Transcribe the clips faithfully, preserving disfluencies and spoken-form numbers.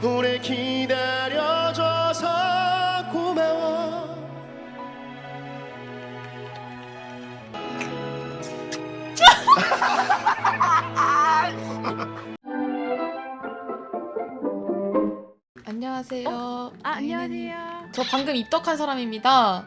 오래 기다려줘서 고마워. 안녕하세요. 어? 아, 안녕하세요. 저 방금 입덕한 사람입니다.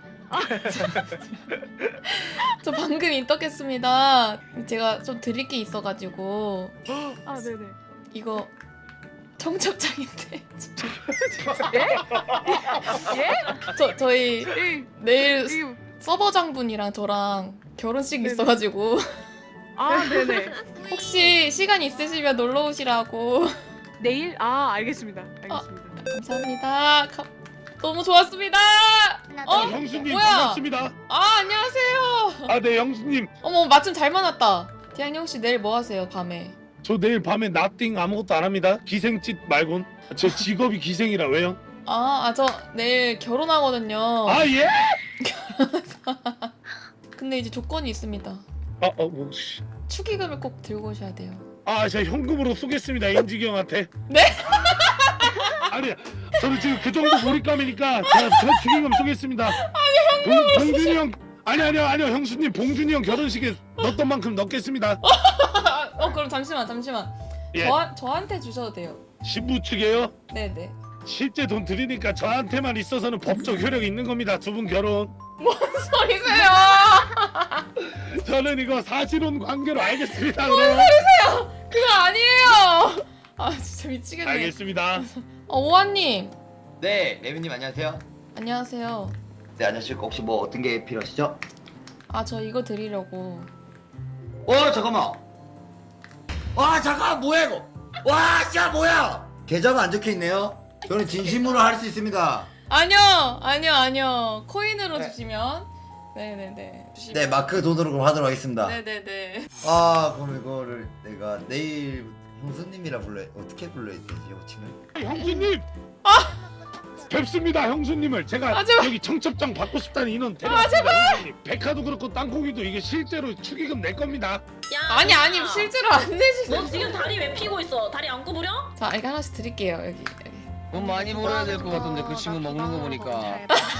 저 방금 입덕했습니다. 제가 좀 드릴 게 있어가지고 아, 네네. 이거 청첩장인데 예? 예? 저 저희 이, 내일 이, 서버장분이랑 저랑 결혼식 네네. 있어가지고 아, 네네. 혹시 시간 있으시면 놀러 오시라고. 내일? 아, 알겠습니다. 알겠습니다. 감사합니다. 가- 너무 좋았습니다. 어? 아, 형수님 뭐야? 반갑습니다. 아 안녕하세요. 아, 네, 형수님. 어머 마침 잘 만났다. 디앙이 혹시 내일 뭐 하세요 밤에? 저 내일 밤에 나띵 아무것도 안 합니다. 기생짓 말곤. 저 직업이 기생이라 왜요? 아, 아 저 내일 결혼하거든요. 아, 예? 근데 이제 조건이 있습니다. 아, 어, 뭐, 씨. 축의금을 꼭 들고 오셔야 돼요. 아, 제가 현금으로 쏘겠습니다, 인지기 형한테. 네? 아니, 저는 지금 그 정도 몰입감이니까 제가 저 축의금 쏘겠습니다. 아니, 현금으로 봉, 봉준이 형. 아니, 아니요, 아니요, 형수님, 봉준이 형 결혼식에 넣었던 만큼 넣겠습니다. 어 그럼 잠시만 잠시만. 예. 저 저한테 주셔도 돼요. 신부 측에요? 네네. 실제 돈 드리니까 저한테만 있어서는 법적 효력이 있는 겁니다. 두 분 결혼. 뭔 소리세요? 저는 이거 사실혼 관계로 알겠습니다. 뭔 그럼. 소리세요? 그거 아니에요. 아 진짜 미치겠네. 알겠습니다. 어 오한님 네, 레미님 안녕하세요. 안녕하세요. 네, 안녕하십니까. 혹시 뭐 어떤 게 필요하시죠? 아 저 이거 드리려고. 어, 잠깐만. 와, 잠깐, 뭐야 이거? 와, 진짜 뭐야? 계좌가 안 적혀 있네요. 저는 진심으로 할 수 있습니다. 아니요 아니요 아니요 코인으로 네. 주시면. 네네네. 주시면. 네, 마크 돈으로 그럼 하도록 하겠습니다. 네네네. 아, 그럼 이거를 내가 내일 형수님이라 불러 어떻게 불러야 되지, 호칭을? 형수님. 뵙습니다, 형수님을. 제가 아, 제발. 여기 청첩장 받고 싶다는 인원 데려왔습니다. 형수님. 백화도 그렇고 땅콩이도 이게 실제로 축의금 낼 겁니다. 야, 아니 야. 아니 실제로 안 내시는. 너 지금 다리 왜 피고 있어? 다리 안 구부려? 자 이거 하나씩 드릴게요 여기. 여기. 돈 많이 벌어야 될 것 같은데 그 친구 먹는 거 보니까.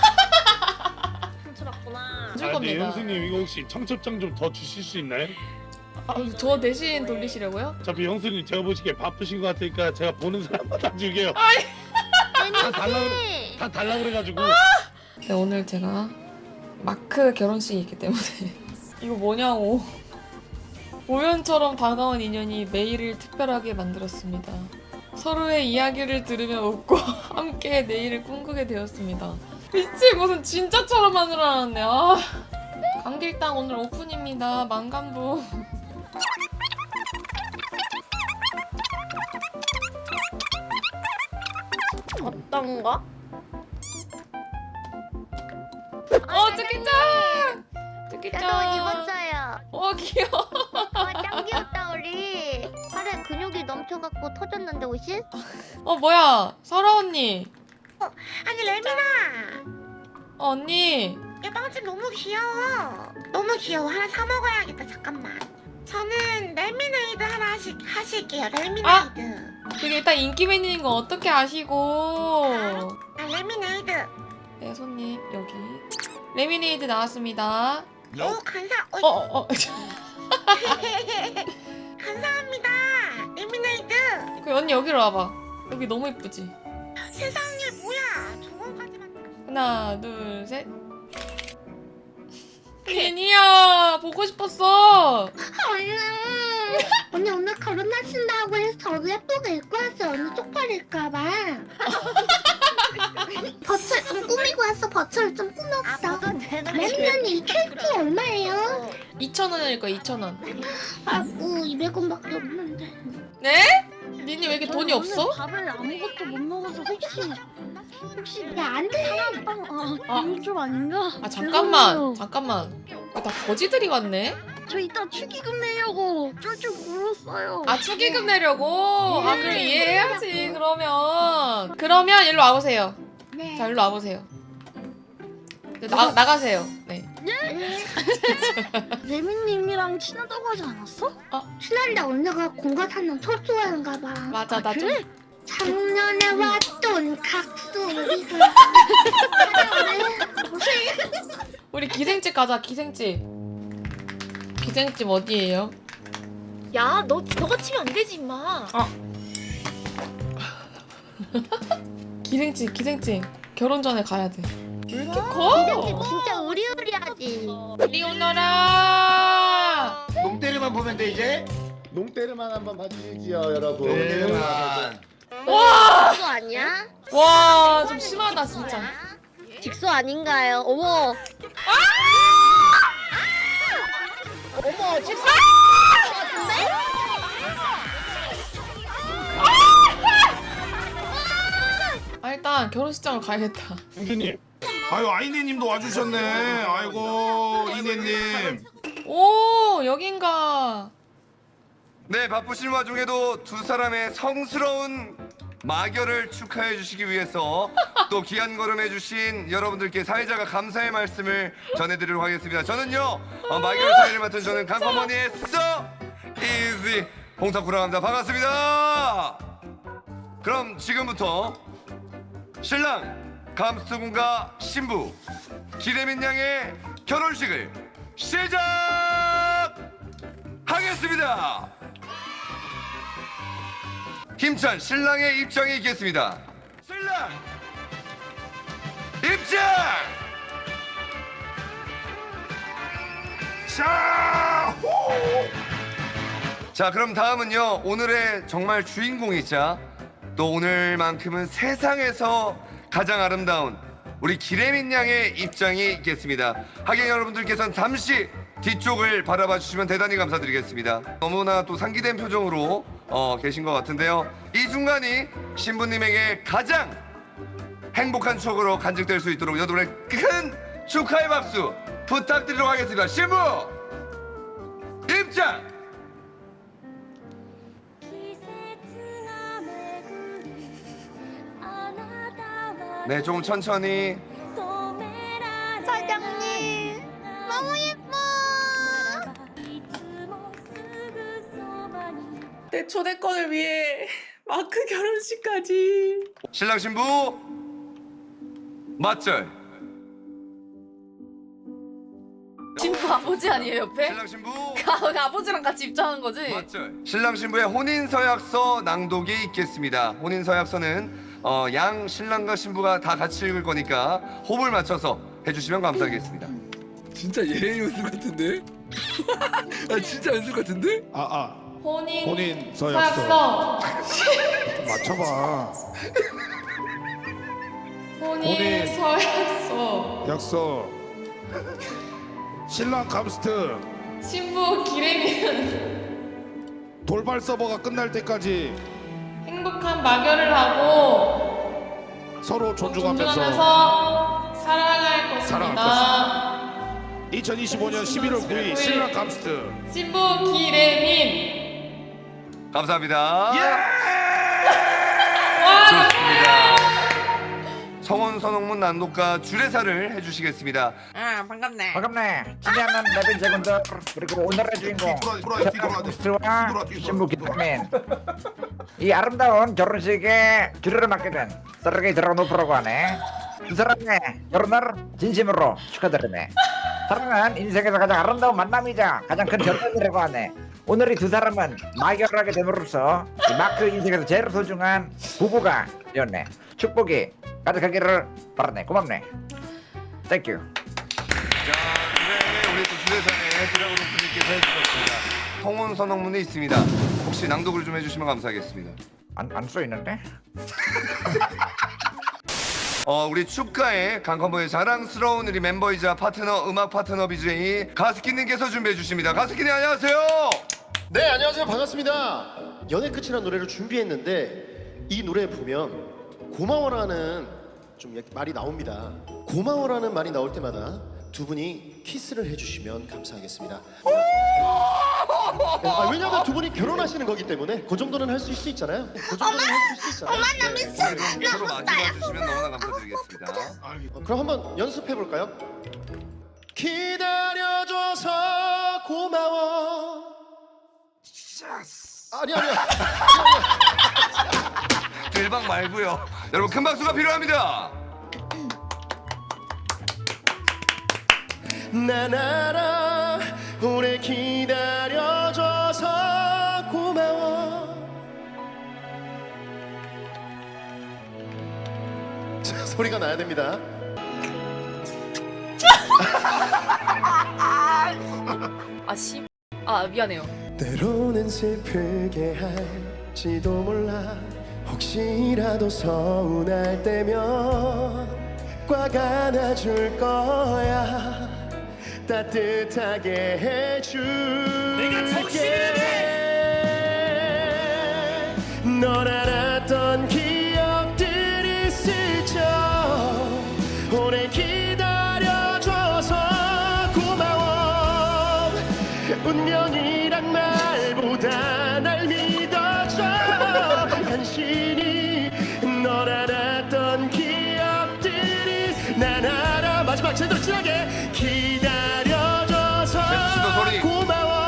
훔쳐봤구나. 줄 아, 네, 겁니다. 형수님 이거 혹시 청첩장 좀 더 주실 수 있나요? 아, 저 대신 돌리시려고요? 어차피 형수님 제가 보시기에 바쁘신 것 같으니까 제가 보는 사람마다 줄게요. 아이. 다 달라 그래, 다 달라 그래가지고. 네, 오늘 제가 마크 결혼식이 있기 때문에 이거 뭐냐고. 우연처럼 다가온 인연이 매일을 특별하게 만들었습니다. 서로의 이야기를 들으며 웃고 함께 내일을 꿈꾸게 되었습니다. 미친 무슨 진짜처럼 만들어놨네. 아. 강길당 오늘 오픈입니다. 만감부. 어떤가? 어 쭈끼짱! 쭈끼짱! 너무 입었어요. 어 귀여워. 와, 짱 귀엽다 우리. 팔에 근육이 넘쳐갖고 터졌는데 옷이? 어 뭐야 설아 언니. 아니 레미나, 어, 언니. 이 빵집 너무 귀여워. 너무 귀여워. 하나 사 먹어야겠다. 잠깐만. 저는 레미네이드 하나 하시, 하실게요. 레미네이드. 그게 일단 인기 메뉴인 거 어떻게 아시고? 아 레미네이드. 네 손님 여기 레미네이드 나왔습니다. 오 감사. 어, 어 어. 어. 감사합니다. 레미네이드. 그 언니 여기로 와봐. 여기 너무 이쁘지? 세상에 뭐야? 저거까지만. 하나 둘 셋. 예니야 보고 싶었어. 언니, 언니 오늘 결혼하신다고 해서 저도 예쁘게 입고 왔어요. 언니 쪽팔릴까봐. 버철 좀 꾸미고 왔어. 버철 좀 꾸몄어. 레미 언니 이 케이크 얼마예요? 이천 원일 거야 이천 원. 아고 이백 원밖에 없는데. 네? 니니 왜 이렇게 돈이 없어? 밥을 아무것도 못 먹어서 혹시 혹시 안 돼? 빵 아. 아, 이거 좀 아닌가? 아 잠깐만 죄송해요. 잠깐만. 이거 다 거지들이 왔네. 저 이따 축의금 내려고 쫄쫄 물었어요. 아 축의금 내려고? 아 그럼 이해해야지 그러면. 그러면 일로 와보세요. 네. 자 일로 와보세요. 네, 나, 나가세요. 네. 레미님이랑 친하다고 하지 않았어? 신난데 언니가 공과 사는 철수하는가 봐. 맞아 아, 나 좀 그래? 작년에 왔던 각소리가 우리 기생집 가자. 기생집. 기생집 어디예요? 야, 너 너가 치면 안 되지, 임마. 기생집 기생집. 결혼 전에 가야 돼. 왜 이렇게 커? 진짜 우리우리하지. 이리 오너라. 농때리만 보면 돼 이제. 농때르만 한번 봐주시지요 여러분. 농때리만. 와. 직소 아니야? 와, 좀 심하다 진짜. 직소 아닌가요? 어머. 어머, 직소 같은데? 아, 일단 결혼식장을 가야겠다. 형수님. 아유 아이네님도 와주셨네. 아이고 이네님. 오, 여긴가. 네, 바쁘신 와중에도 두 사람의 성스러운 마결을 축하해 주시기 위해서 또 귀한 걸음 해주신 여러분들께 사회자가 감사의 말씀을 전해드리도록 하겠습니다. 저는요, 어, 마결 사회를 맡은 저는 강커머니의 써 이지 홍탁구라고 합니다. 반갑습니다. 그럼 지금부터 신랑 감스트군과 신부 기레민 양의 결혼식을 시작하겠습니다. 힘찬 신랑의 입장이 있겠습니다. 신랑 입장! 자, 호! 자, 그럼 다음은요, 오늘의 정말 주인공이자 또 오늘만큼은 세상에서 가장 아름다운 우리 기레민 양의 입장이 있겠습니다. 하객 여러분들께서는 잠시 뒤쪽을 바라봐 주시면 대단히 감사드리겠습니다. 너무나 또 상기된 표정으로 어, 계신 것 같은데요. 이 순간이 신부님에게 가장 행복한 추억으로 간직될 수 있도록 여러분의 큰 축하의 박수 부탁드리도록 하겠습니다. 신부 입장! 네, 조금 천천히. 사장님, 너무 예뻐. 내 초대권을 위해 마크 결혼식까지. 신랑 신부 맞절. 신부 아버지 아니에요 옆에? 신랑 신부 아버지랑 같이 입장한 거지? 맞절. 신랑 신부의 혼인 서약서 낭독이 있겠습니다. 혼인 서약서는 어, 양 신랑과 신부가 다 같이 읽을 거니까 호흡을 맞춰서 해주시면 감사하겠습니다. 진짜 예의 연습 같은데? 아 진짜 연습 같은데? 아아 혼인, 혼인 서약서. 서약서. 맞춰봐. 혼인, 혼인. 서약서. 약속. 신랑 감스트 신부 기레미는 돌발 서버가 끝날 때까지 행복한 마결을 하고 서로 존중하면서, 존중하면서 사랑할 것입니다. 사랑할 이천이십오 년 십일월 구일 신랑 감스트. 신부 기레민. 감사합니다. 예! 좋습니다. 성원 선홍문 난독가 주례사를 해주시겠습니다. 아, 반갑네. 반갑네. 친애하는 레빈 제군들 그리고 오늘의 주인공 와 신부 기도민. 이 아름다운 결혼식에 주례를 맡게 된 서르게이 드라노프라고 하네. 두 사람의 결혼을 진심으로 축하드리네. 사랑은 인생에서 가장 아름다운 만남이자 가장 큰 결단이라고 하네. 오늘 이 두 사람은 마결을 하게 됨으로써 이 마크 인생에서 제일 소중한 부부가 되었네. 축복이 가득하기를 바라네. 고맙네. 땡큐. 자, 네, 우리 또 주례사의 드라곤오프님께서 해주셨습니다. 성원 선홍문이 있습니다. 혹시 낭독을 좀 해주시면 감사하겠습니다. 안, 안 써있는데? 어, 우리 축가의 강컴버의 자랑스러운 우리 멤버이자 파트너, 음악 파트너 비제이 가스키님께서 준비해 주십니다. 가스키님 안녕하세요. 네 안녕하세요 반갑습니다. 연애 끝이라는 노래를 준비했는데 이 노래 보면 고마워라는 좀 이렇게 말이 나옵니다. 고마워라는 말이 나올 때마다 두 분이 키스를 해주시면 감사하겠습니다. 아, 왜냐면 두 분이 결혼하시는 거기 때문에 그 정도는 할 수 있잖아요. 그 정도는 할 수 있잖아요. 엄마 나 네. 미쳐. 서로 마주봐 주시면 너무나 감사드리겠습니다. 어, 그럼 한번 연습해 볼까요? 기다려줘서 고마워. 아니 아니요. 일방 말고요. 여러분 큰 박수가 필요합니다. 난 알아 오래 기다려줘서 고마워. 자, 소리가 나야 됩니다. 아씨. 아 미안해요. 때로는 슬프게 할지도 몰라. 혹시라도 서운할 때면 꽉 안아줄 거야. 따뜻하게 해줄게. 널 알았던 기억들이 스쳐 오래 기다려줘서 고마워. 운명이란 말보다 날 믿어줘. 간신히 널 알았던 기억들이 난 알아. 마지막 제대로 진하게 기다려줘서 제수씨도 소리. 고마워.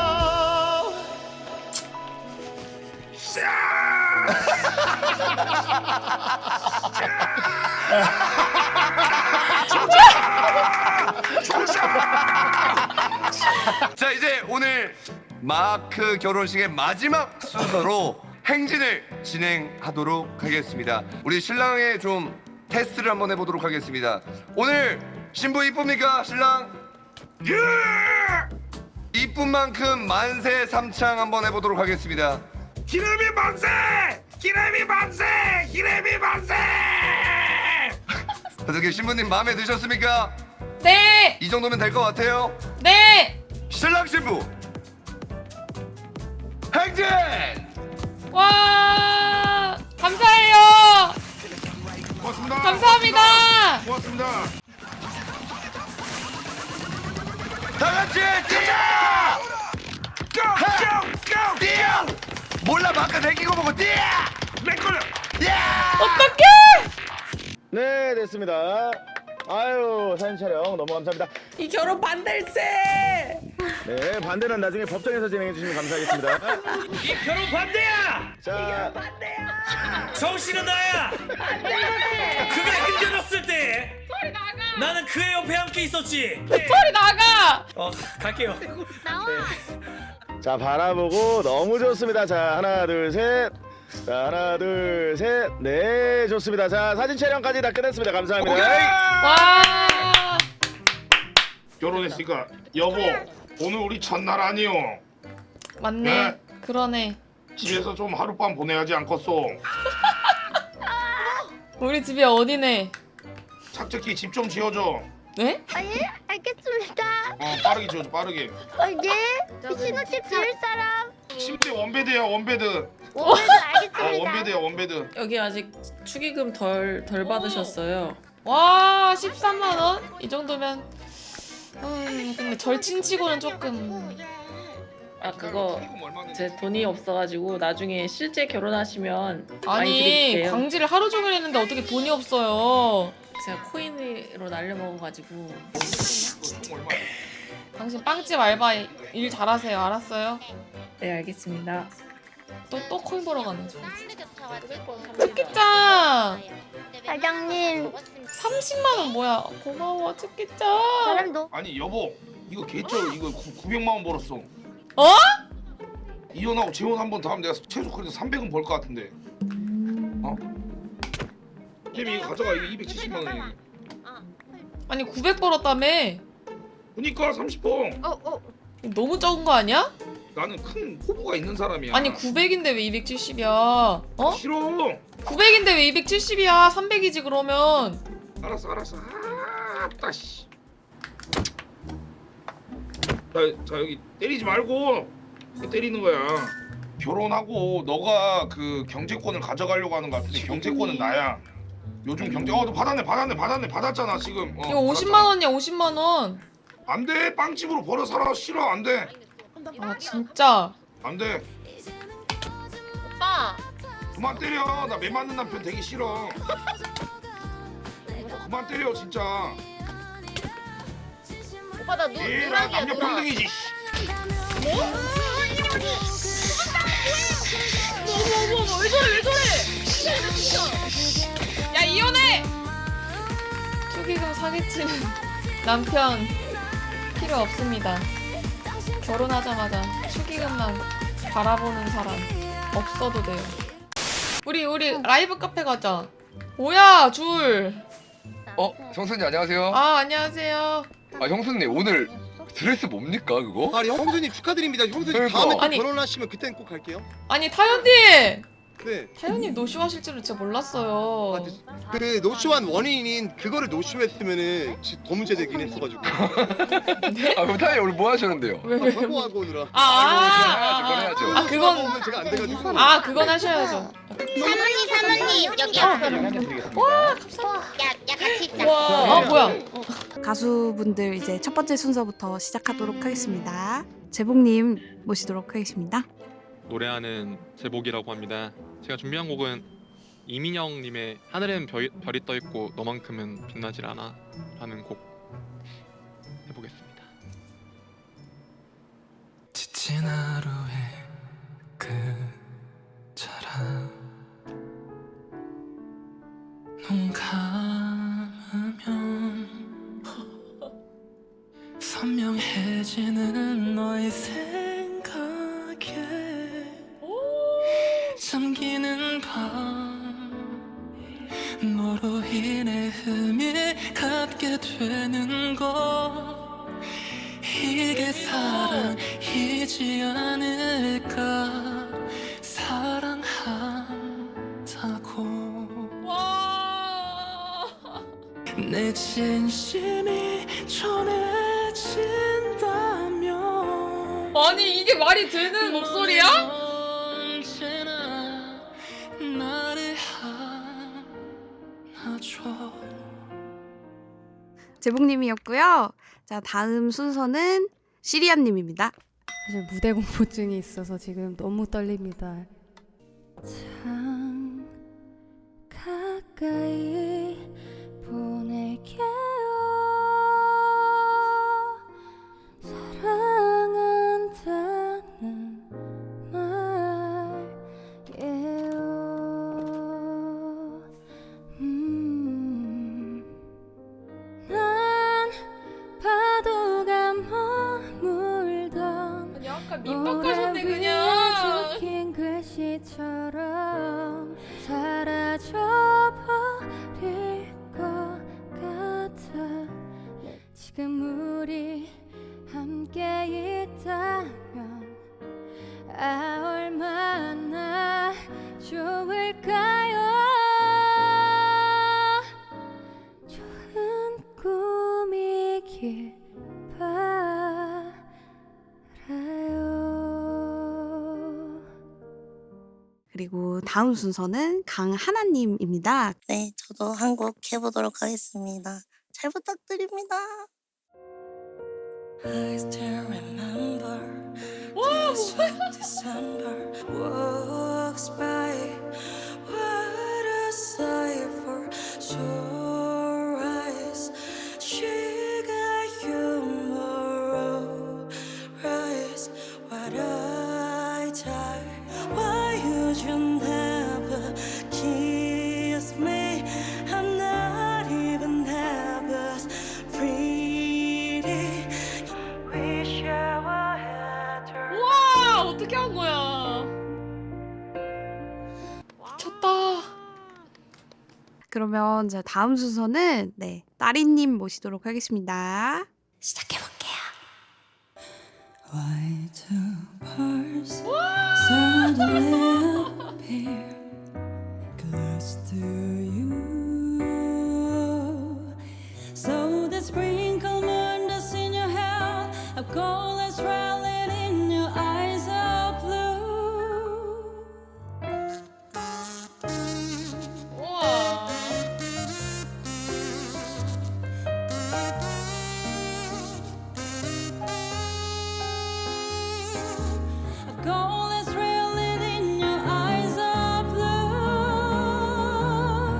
자 이제 오늘 마크 결혼식의 마지막 순서로 행진을 진행하도록 하겠습니다. 우리 신랑의 좀 테스트를 한번 해보도록 하겠습니다. 오늘 신부 이쁩니까 신랑? 예! 이쁜 만큼 만세 삼창 한번 해보도록 하겠습니다. 기레미 만세! 기레미 만세! 기레미 만세! 어떻게 신부님 마음에 드셨습니까? 네. 이 정도면 될 것 같아요. 네. 신랑 신부 행진! 와 감사해요. 고맙습니다. 감사합니다. 고맙습니다. 다 같이 뛰어! 고! 고! 고! 뛰어! 몰라 마크 대기고 보고 뛰어! 내 걸려. 야! 어떡해? 네, 됐습니다. 아유, 사진 촬영 너무 감사합니다. 이 결혼 반댈세. 네, 반대는 나중에 법정에서 진행해 주시면 감사하겠습니다. 이 결혼 반대야! 자, 정신은 나야! 그가 힘들었을 때 나는 그의 옆에 함께 있었지. 소리 나가. 어 갈게요. 자, 바라보고 너무 좋습니다. 자, 하나, 둘, 셋. 자, 하나, 둘, 셋. 네, 좋습니다. 자, 사진 촬영까지 다 끝냈습니다. 감사합니다. 와. 결혼했으니까 여보 오늘 우리 첫날 아니요. 맞네. 네. 그러네. 집에서 좀 하룻밤 보내야지 않겠소. 우리 집이 어디네? 착착히 집 좀 지어줘. 네? 아, 예? 알겠습니다. 어 빠르게 지어줘 빠르게. 어, 예? 신혼집 지을 사람? 침대 원베드야 원베드. 오늘도 아 알겠습니다. 원베드야 원베드. 여기 아직 축의금 덜 덜 받으셨어요. 와 십삼만 원? 이 정도면 음 근데 절친치고는 조금 아 그거 제 돈이 없어가지고 나중에 실제 결혼하시면 많이 아니 드릴게요. 광지를 하루 종일 했는데 어떻게 돈이 없어요. 제가 코인으로 날려먹어가지고. 당신 빵집 알바 일 잘하세요. 알았어요? 네 알겠습니다. 또 또 코인 벌어 가는 중. 특기짱 사장님, 삼십만 원 뭐야? 고마워 특기짱. 사람도 아니 여보 이거 개쩔 이거 구백만 원 벌었어. 어? 이혼하고 재혼 한 번 더 하면 내가 최소 그래도 삼백은 벌 것 같은데. 어? 혜미 이거 가져가 이거 이백칠십만 원이야. 아니 구백 벌었다며? 그니까 삼십 번. 어, 어. 너무 적은 거 아니야? 나는 큰 포부가 있는 사람이야. 아니 구백인데 왜 이백칠십이야? 어? 싫어. 구백인데 왜 이백칠십이야? 삼백이지 그러면. 알았어 알았어. 아따 씨. 자, 자 여기 때리지 말고 때리는 거야. 결혼하고 너가 그 경제권을 가져가려고 하는 거 같은데 경제권은 나야. 요즘 경제 어너 받았네 받았네 받았네 받았잖아 지금. 어, 이거 오십만 원이야 오십만 원. 안돼 빵집으로 벌어 살아 싫어 안돼 아 진짜. 안돼. 오빠. 그만 때려 나 매 맞는 남편 되기 싫어. 그만 때려 진짜. 오빠 나 누, 얘라 누락이야, 남녀 누락. 평등이지. 뭐? 어머, 어머, 어머, 왜 저래, 왜 저래? 야 이혼해! 축의금 사기치는 남편 필요 없습니다. 결혼하자마자 축의금만 바라보는 사람 없어도 돼요. 우리 우리 라이브 카페 가자. 뭐야 줄. 어, 형수님 안녕하세요. 아 안녕하세요. 아, 형수님 오늘 드레스 뭡니까 그거? 아니 형수님 축하드립니다. 형수님 그러니까. 다음에 또 아니. 결혼하시면 그때는 꼭 갈게요. 아니 타연님. 네. 타연님 노쇼 하실 줄은 진짜 몰랐어요. 아, 그 노쇼한 원인인 그거를 노쇼했으면은 지- 더 문제되긴 했어가지고. 아, 그럼 타이 오늘 뭐 하셨는데요? 왜 왜? 광고하고 오느라. 아, 아, 그건 해야죠, 그건 아, 그건 오면 제가 안 돼가지고. 아 그건 하셔야죠. 사모님 사모님 여기 와 감사합니다. 야, 야 같이 있자. 와, 아 뭐야? 가수분들 이제 첫 번째 순서부터 시작하도록 하겠습니다. 재복님 모시도록 하겠습니다. 노래하는 제복이라고 합니다. 제가 준비한 곡은 이민영님의 하늘엔 별, 별이 떠있고 너만큼은 빛나질 않아 라는 곡 해보겠습니다. 지친 하루에 끝처럼 눈 감으면 선명해지는 너의 생각에 잠기는 밤 너로 인해 의미 갖게 되는 것 이게 사랑이지 않을까 사랑한다고 와. 내 진심이 전해진다면 아니 이게 말이 되는 목소리야? 언제나 나를 안아줘. 재복님이었고요. 자 다음 순서는 시리안님입니다. 사실 무대 공포증이 있어서 지금 너무 떨립니다. 참 가까이 보낼게요. 사랑한다는 말이에요. 음, 난 파도가 머물던 아니 아까 민박하셨네 그냥. 적힌 글씨처럼 사라져버릴 것 같아. 지금 우리 함께 있다면 아 얼마나 좋을까요. 좋은 꿈이길 바라요. 그리고 다음 순서는 강하나님입니다. 네, 저도 한 곡 해보도록 하겠습니다. 잘 부탁드립니다. I still remember this December walks by. What a sight for sore eyes. She got humor rise. What I die. Why would you never kiss me? I'm not even half as pretty. Wish I had her. 와 어떻게 한 거야? 미쳤다. 그러면 자 다음 순서는 네 따리님 모시도록 하겠습니다. 시작해볼게요. Why do birds suddenly appear close to you? So the sprinkle moon that's in your hair, a gold is rolling in your eyes of blue. 우와. A gold is rolling in your eyes of blue.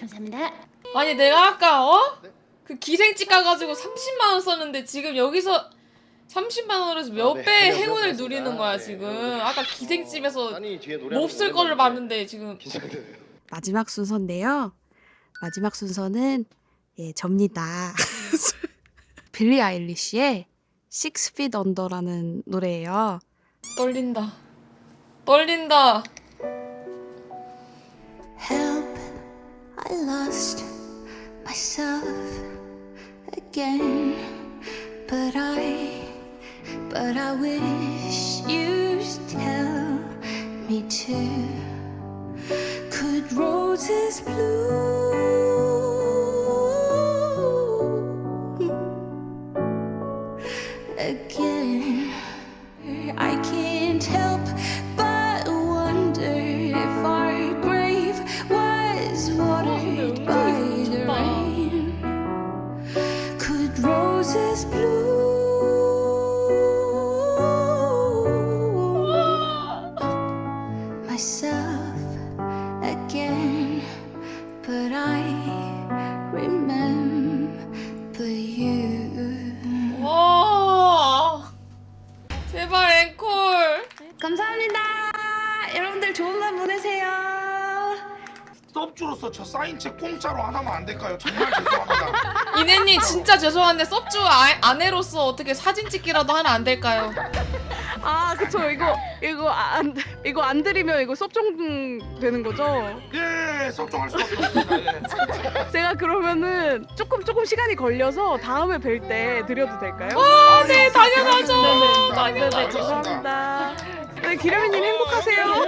감사합니다. 아니 내가 아까 어? 그 기생집 가가지고 삼십만 원 썼는데 지금 여기서 삼십만 원으로 몇 아, 네. 배의 네, 행운을 그렇습니다. 누리는 거야 네. 지금. 아까 기생집에서 아니 뒤에 노래 몹쓸 거를 봤는데 지금 긴장되네요. 마지막 순서인데요. 마지막 순서는 예 접니다. 빌리 아일리시의 Six Feet Under라는 노래예요. 떨린다. 떨린다. Help, I lost myself again. But I, but I wish you'd tell me to. Could roses bloom again? I can't help but wonder if our grave was watered by the rain. Could roses bloom myself again? But I remember you. 와. 제발 앵콜. 감사합니다. 여러분들 좋은 밤 보내세요. 섭주로서 저 사인책 공짜로 하나만 안 될까요? 정말 죄송합니다. 이내님 진짜 죄송한데 섭주 아, 아내로서 어떻게 사진 찍기라도 하나 안 될까요? 아 그쵸 이거 이거 안 이거 안 드리면 이거 섭종 되는 거죠? 예, 섭종할 수밖에 없습니다. 예. 제가 그러면은 조금 조금 시간이 걸려서 다음에 뵐 때 드려도 될까요? 아, 네 당연하죠. 네네, 당연하죠. 네네, 죄송합니다. 네 기레미님 행복하세요.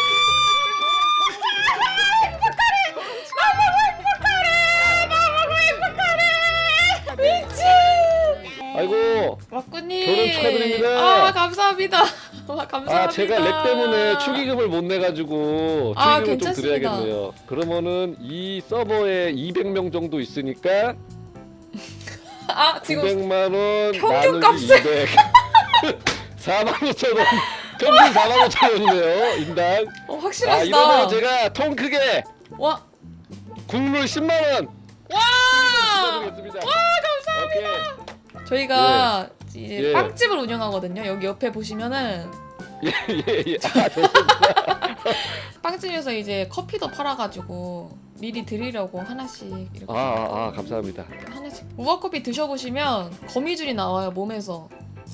미친. 아이고 왁구님. 결혼 축하드립니다. 아 감사합니다. 와, 감사합니다. 아 제가 렉 때문에 축의금을 못 내가지고 아, 축의금을 좀 괜찮습니다. 드려야겠네요. 그러면은 이 서버에 이백 명 정도 있으니까 아 지금 구백만 원 평균 나누기 값을- 이백 사만 오천 원 평균 사만 오천 원이네요 인당. 어, 아 확실하시다. 이러면 제가 통 크게 와. 국물 십만 원 와. 드리겠습니다. 와 감사합니다. 오케이. 저희가 이제 예. 빵집을 운영하거든요. 여기 옆에 보시면은 예예예. 아, 좋습니다. 빵집에서 이제 커피도 팔아가지고 미리 드리려고 하나씩 이렇게 아, 아, 아 감사합니다. 하나씩 우아 커피 드셔보시면 거미줄이 나와요 몸에서.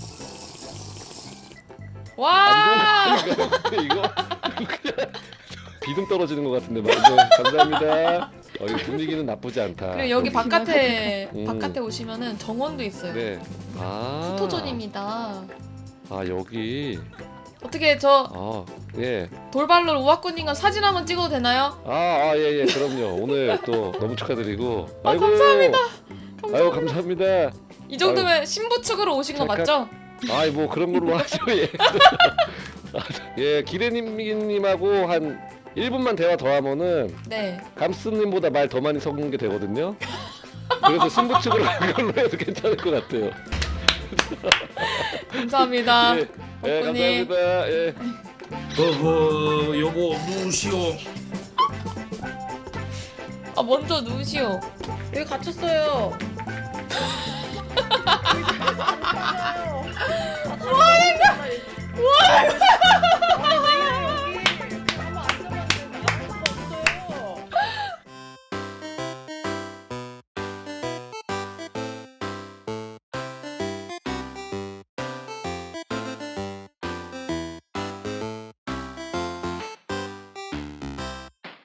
와. 안 좋은 거 아닌가요? 이거 그냥 비듬 떨어지는 것 같은데 말이죠. 감사합니다. 어, 이 분위기는 나쁘지 않다. 그리고 여기 바깥에 음. 바깥에 오시면은 정원도 있어요. 네. 아. 포토존입니다. 아 여기. 어떻게 저 아 예. 돌발로 우아꾸님과 사진 한번 찍어도 되나요? 아, 아, 예, 예, 그럼요. 오늘 또 너무 축하드리고. 아, 아이고, 감사합니다. 아유, 감사합니다. 이 정도면 신부 측으로 오신 거 잠깐- 맞죠? 아이, 뭐 그런 걸로 하죠, 예. 예, 기레님님하고 한 일 분만 대화 더 하면은 네. 감스님보다 말 더 많이 섞는 게 되거든요. 그래서 신부 측으로 그걸로 해도 괜찮을 것 같아요. 감사합니다. 예, 예, 덕분님. 감사합니다. 예. 어허, 여보 누우시오. 아 먼저 누우시오. 여기 갇혔어요.